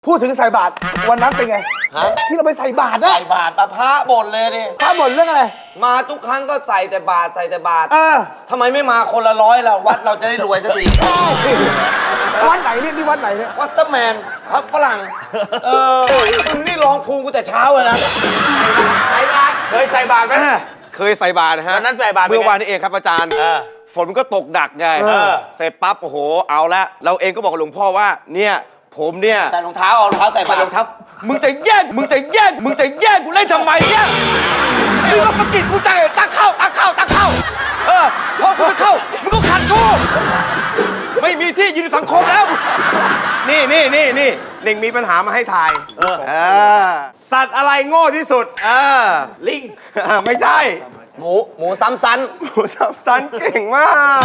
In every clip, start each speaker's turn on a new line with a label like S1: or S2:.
S1: พูดถึงใส่บาตรวันนั้นเป็นไง
S2: ฮะ
S1: ที่เราไปใส่บาตรนะ
S2: ใส่บาตรพระบ่นเลยดิ
S1: พระบ่นเรื่องอะไร
S2: มาทุกครั้งก็ใส่แต่บาตรใส่แต่บาตร
S1: เออ
S2: ทำไมไม่มาคนละ100ล่ะวัดเราจะได้รวยสักที
S1: วัดไหนเนี่ยนี่วัดไหนเนี่ย
S2: วัดสแมนพระฝรั่งมึงนี่ลองภูมิกูแต่เช้าเลยนะใส่บาตร
S3: เคยใส่บาตรไหม
S4: เคยใส่บาตรนะฮะ
S3: วันนั้นใส่บาตรเป็นไง
S4: เมื่อวานนี้เองครับอาจารย์ ฝนมันก็ตกหนักไง เสร็จปั๊บโอ้โหเอาละเราเองก็บอกกับหลวงพ่อว่าเนี่ยผมเนี่ย
S2: ใส่รองเท้าเอารองเท้าใส่บาตร
S4: รองเท้ามึงจะแย่งกูเล่นทำไมเนี่ยมึงก็สะกิดกูใจตักเข้าพอกูไม่เข้ามึงก็ขัดกูไม่มีที่ยืนในสังคมแล้วนี่เน่งมีปัญหามาให้ทายสัตว์อะไรโง่ที่สุดลิงไม่ใช่
S2: หมูซ้ำซัน
S4: หมูสับสันเก่งมาก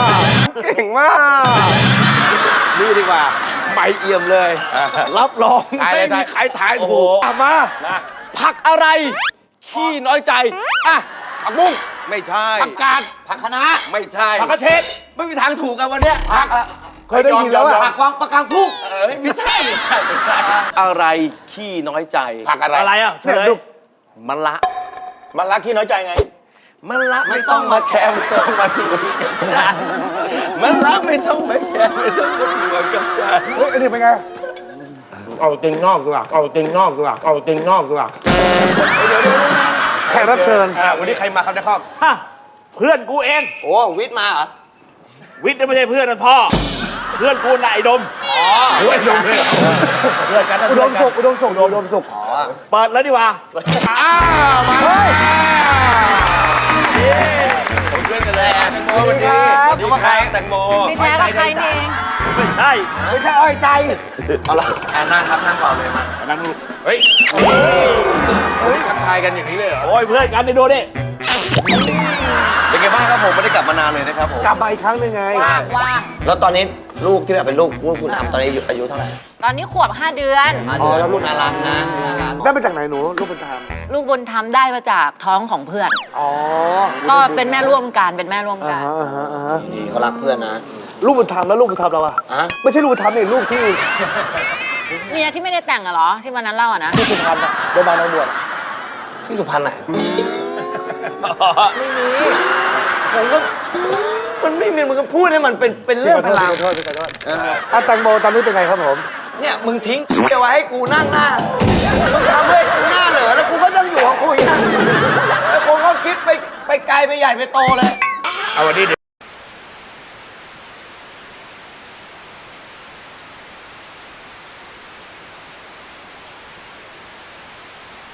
S4: นี่ดีกว่าไม่เอี่ยมเลย รับรอง
S3: ทายเลย
S4: ไม่มีใครทายถูกมา
S3: นะ
S4: ผักอะไร ขี้น้อยใจอ่ะ
S3: ผักบุ้ง
S4: ไม่ใช่
S3: ผักกาด
S2: ผักคะน้า
S4: ไม่ใช่
S2: ผักกระเฉด
S4: ไม่มีทางถูกกันวันเนี้ย
S3: ผัก
S1: เคยได้ยินแล้ว
S3: ยอ
S1: อะ
S3: ม
S2: ผักวางปะกังพุ่ง
S4: ไม่ใช่อะไรขี้น้อยใจ
S3: ผักอะไร
S2: อะไรอ่ะ
S1: เนี่ยดู
S4: มันละ
S3: มันรักขี้น้อยใจไง
S4: มันละไม่ต้องมาแคร์ไม่ต้องมาดูกับฉันมันละไม่ต้องมาแคร์ไม่ต้องมาดูกับฉัน
S1: เฮ้ยอันนี้เป็นไง
S5: เอาจริงนอกดีกว่าเอาจริงนอกดีกว่าเอาจริงนอกดีกว่า
S1: แขกรับเชิญ
S4: วันนี้ใครมาครับนคร
S5: ฮะเพื่อนกูเอง
S2: โอ้วิทย์มาเหรอ
S5: วิทย์ไม่ใช่เพื่อนนะพ่อ เพื่อนกูน่ะไอ้ดม
S4: โอ้ยลงเลย
S5: เพื่อนกันนะ
S1: อุดมสุข
S5: เปิดแล้วดีกว่า
S3: มาเลยผมเพื่อนกันเลยแตงโมวันนี้
S4: สวัสดีครับแตงโม
S6: ไม่แท้ก็ใครนี่เอง
S5: ใช่
S1: ไม่ใช่อ้อยใจ
S2: เอาละนั่งครับนั่งก่อนเลยมา
S5: นั่งดู
S3: เฮ้ยทักทายกันอย่างนี้เลยเหรอ
S5: โอ้ยเพื่อนกันนี่ดูดิ
S4: เป็นไงบ้างครับผมไม่ได้กลับมานานเลยนะครับผม
S1: กลับมาอีกครั้งหนึงไง
S6: ว่าง
S2: แล้วตอนนี้ลูกที่แบบเป็นลูกคุณทำตอนนี้อายุเท่าไหร่
S6: ตอนนี้ขวบ 5 เดือน
S2: แล้วลูกน่ารักนะน่ารัก
S1: ได้มาจากไหนหนูลูกเป็นทาม
S6: ลูกบุญธรรมได้มาจากท้องของเพื่อน
S1: อ๋อ
S6: ก็เป็นแม่ร่วมกันเป็นแม่ร่วมกัน
S2: ดีเขารักเพื่อนนะ
S1: ลูกบุญธรรมแล้วลูกบุญธรรมเราอะ
S2: อะ
S1: ไม่ใช่ลูกบุญธรรมนี่ลูกที่
S6: เมียที่ไม่ได้แต่งอะเหรอ ที่วันนั้นเล่าอะนะ
S1: ที่สุพรรณอะโดนบางนางบวช
S2: ที่สุพรรณไหน
S1: ไม่มี
S2: ผมก็มันไม่มีมันก็พูดให้มันเป็นเรื่องพลัง
S1: โทษแตงโมตอนนี้เป็นไงครับผม
S2: เนี่ยมึงทิ้งเอาไว้ให้กูนั่งหน้ามึงทำให้กูหน้าเหลือแล้วกูก็ต้องอยู่ของกูอย่างนี้แล้วกูก็คิดไปไกลไปใหญ่ไปโตเลย
S3: เอาวันนี้เดี๋ยว